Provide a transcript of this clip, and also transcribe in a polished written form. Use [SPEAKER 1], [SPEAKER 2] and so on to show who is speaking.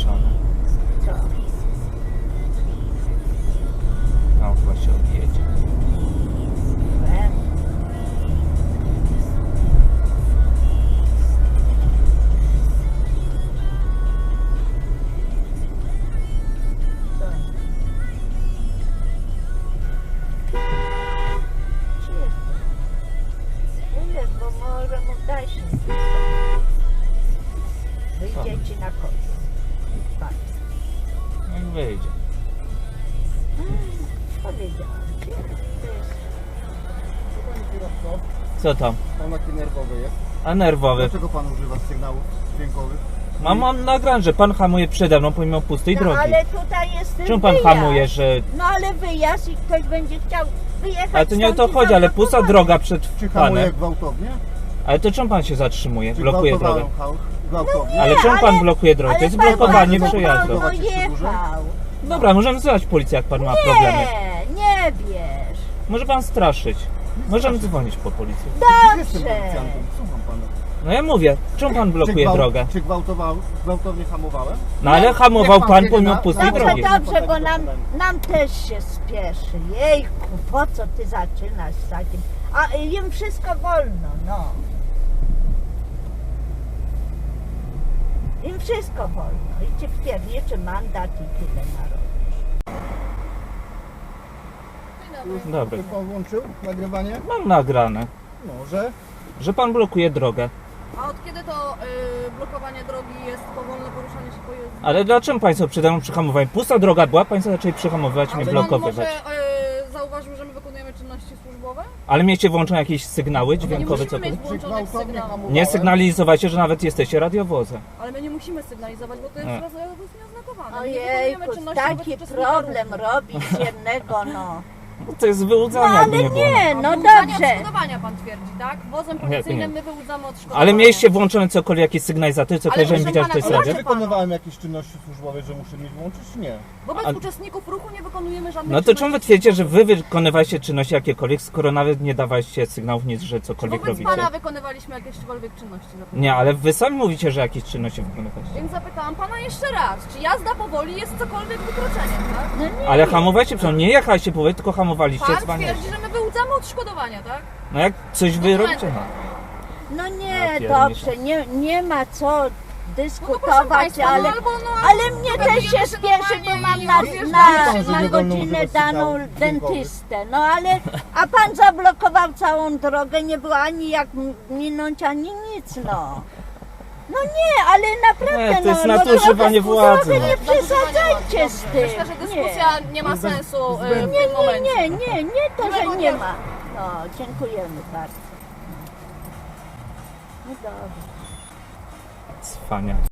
[SPEAKER 1] napisane.
[SPEAKER 2] Co?
[SPEAKER 1] No właśnie odjedzie.
[SPEAKER 2] Bo może mu dać wyjdzie ci na końcu.
[SPEAKER 1] Jak wyjdzie.
[SPEAKER 2] Powiedziałam ci.
[SPEAKER 1] Co tam?
[SPEAKER 3] Pan taki nerwowy jest.
[SPEAKER 1] A nerwowy.
[SPEAKER 3] Dlaczego pan używa sygnałów dźwiękowych?
[SPEAKER 1] Mam nagrane, że pan hamuje przede mną pomimo pustej
[SPEAKER 2] No
[SPEAKER 1] drogi.
[SPEAKER 2] ale tutaj jest ten
[SPEAKER 1] Czemu pan
[SPEAKER 2] wyjazd.
[SPEAKER 1] hamuje, że...
[SPEAKER 2] No ale wyjazd i ktoś będzie chciał wyjechać.
[SPEAKER 1] Ale to nie o to
[SPEAKER 2] stąd i
[SPEAKER 1] chodzi, ale pusta
[SPEAKER 2] zablokować.
[SPEAKER 1] droga przed
[SPEAKER 3] Czy hamuje
[SPEAKER 1] panem.
[SPEAKER 3] gwałtownie?
[SPEAKER 1] Ale to czemu pan się zatrzymuje?
[SPEAKER 3] Czy
[SPEAKER 1] Blokuje drogę.
[SPEAKER 3] gwałtowałem gwałtownie?
[SPEAKER 1] Ale czemu pan blokuje drogę? To jest
[SPEAKER 2] pan
[SPEAKER 1] blokowanie
[SPEAKER 2] bardzo
[SPEAKER 1] przejazdu.
[SPEAKER 2] wolno jechał.
[SPEAKER 1] Dobra, możemy wzywać policję, jak pan ma problemy.
[SPEAKER 2] Nie wiesz.
[SPEAKER 1] Może pan straszyć. Możemy dzwonić po policję.
[SPEAKER 3] Jestem
[SPEAKER 2] Dobrze.
[SPEAKER 3] policjantem, słucham pana.
[SPEAKER 1] No ja mówię, czemu pan blokuje drogę?
[SPEAKER 3] Czy gwałtownie hamowałem?
[SPEAKER 1] No ale hamował
[SPEAKER 3] Jak pan
[SPEAKER 1] pan
[SPEAKER 3] jedzie
[SPEAKER 1] pomimo
[SPEAKER 3] na-
[SPEAKER 1] pustej
[SPEAKER 2] Dobrze,
[SPEAKER 1] drogi.
[SPEAKER 2] dobrze, bo nam też się spieszy. Jejku, po co ty zaczynasz z takim? A im wszystko wolno, no. Im wszystko wolno. I ci wpierniczy mandat i tyle narodu.
[SPEAKER 1] Dobra,
[SPEAKER 3] Czy pan włączył nagrywanie?
[SPEAKER 1] mam nagrane,
[SPEAKER 3] Może.
[SPEAKER 1] że pan blokuje drogę.
[SPEAKER 4] A od kiedy to blokowanie drogi jest powolne poruszanie się po jezdni?
[SPEAKER 1] Ale dlaczego państwo przede mną przyhamowali? Pusta droga była, państwo zaczęli przyhamowywać, mnie
[SPEAKER 4] Czy pan
[SPEAKER 1] blokowywać.
[SPEAKER 4] może zauważył, że my wykonujemy czynności służbowe?
[SPEAKER 1] Ale mieliście włączone jakieś sygnały
[SPEAKER 4] Nie
[SPEAKER 1] dźwiękowe,
[SPEAKER 4] musimy mieć
[SPEAKER 1] cokolwiek?
[SPEAKER 3] Czy
[SPEAKER 4] włączonych
[SPEAKER 3] gwałtownie
[SPEAKER 4] sygnałów.
[SPEAKER 3] hamowałem?
[SPEAKER 1] Nie sygnalizowajcie, że nawet jesteście radiowozem.
[SPEAKER 4] Ale my nie musimy sygnalizować, bo to jest
[SPEAKER 1] Nie.
[SPEAKER 4] nieoznakowane. My
[SPEAKER 2] Ojejku,
[SPEAKER 4] wykonujemy czynności
[SPEAKER 2] taki
[SPEAKER 4] wobec uczestnika
[SPEAKER 2] problem
[SPEAKER 4] ruchu.
[SPEAKER 2] robić z jednego, no.
[SPEAKER 1] To jest
[SPEAKER 2] No
[SPEAKER 1] wyłudzanie, jakby
[SPEAKER 2] ale
[SPEAKER 1] nie było.
[SPEAKER 2] nie,
[SPEAKER 4] A
[SPEAKER 2] no
[SPEAKER 4] wyłudzanie
[SPEAKER 2] dobrze.
[SPEAKER 4] odszkodowania pan twierdzi, tak? Wozem policyjnym my wyłudzamy odszkodowania.
[SPEAKER 1] Ale mieliście włączone cokolwiek, jakieś sygnalizatory, cokolwiek, żebym
[SPEAKER 4] proszę
[SPEAKER 1] widział, że
[SPEAKER 4] pana,
[SPEAKER 1] to jest
[SPEAKER 4] to
[SPEAKER 1] radio?
[SPEAKER 3] Czy wykonywałem jakieś czynności służbowe, że muszę mieć włączyć, czy nie?
[SPEAKER 4] Wobec
[SPEAKER 1] A-
[SPEAKER 4] uczestników ruchu nie wykonujemy żadnych
[SPEAKER 1] No to czemu wy
[SPEAKER 4] czynności
[SPEAKER 1] twierdzicie, że
[SPEAKER 4] służbowych.
[SPEAKER 1] wy wykonywaliście czynności jakiekolwiek, skoro nawet nie dawaliście sygnałów nic, że cokolwiek
[SPEAKER 4] Wobec
[SPEAKER 1] robicie?
[SPEAKER 4] pana wykonywaliśmy jakiekolwiek czynności.
[SPEAKER 1] Nie, ale wy sami mówicie, że jakieś czynności wykonywaliście.
[SPEAKER 4] Więc zapytałam pana jeszcze raz, czy jazda powoli jest cokolwiek wykroczeniem, tak?
[SPEAKER 2] No nie.
[SPEAKER 1] Ale hamowaliście, przecież nie jechaliście powoli, tylko hamowaliście,
[SPEAKER 4] Pan
[SPEAKER 1] dzwanialiście.
[SPEAKER 4] twierdzi, że my wyłudzamy odszkodowania, tak?
[SPEAKER 1] No jak coś wy
[SPEAKER 4] Dokumenty
[SPEAKER 1] robicie?
[SPEAKER 4] pan.
[SPEAKER 2] No
[SPEAKER 1] Ja
[SPEAKER 2] nie,
[SPEAKER 1] pierniczę.
[SPEAKER 2] dobrze, nie ma co
[SPEAKER 4] No to proszę
[SPEAKER 2] dyskutować,
[SPEAKER 4] państwa,
[SPEAKER 2] ale...
[SPEAKER 4] no albo no...
[SPEAKER 2] Ale mnie też
[SPEAKER 4] dogadujemy
[SPEAKER 2] się spieszy, bo mam na,
[SPEAKER 3] Wie pan, że
[SPEAKER 2] na
[SPEAKER 3] nie wolno
[SPEAKER 2] godzinę
[SPEAKER 3] używać
[SPEAKER 2] daną
[SPEAKER 3] sygnałów dźwiękowych.
[SPEAKER 2] dentystę. No ale, a pan zablokował całą drogę, nie było ani jak minąć, ani nic, no. No nie, ale naprawdę,
[SPEAKER 1] Nie, to jest
[SPEAKER 2] no
[SPEAKER 1] nadużywanie władzy.
[SPEAKER 2] trochę nie
[SPEAKER 4] Nadużywanie
[SPEAKER 2] przesadzajcie
[SPEAKER 4] władzy.
[SPEAKER 2] z tym.
[SPEAKER 4] Myślę, że dyskusja nie ma sensu w
[SPEAKER 2] Nie,
[SPEAKER 4] tym momencie.
[SPEAKER 2] nie to, że
[SPEAKER 4] Miłego
[SPEAKER 2] nie
[SPEAKER 4] dnia.
[SPEAKER 2] ma. No, dziękujemy bardzo. No dobrze.
[SPEAKER 1] Cwaniaki.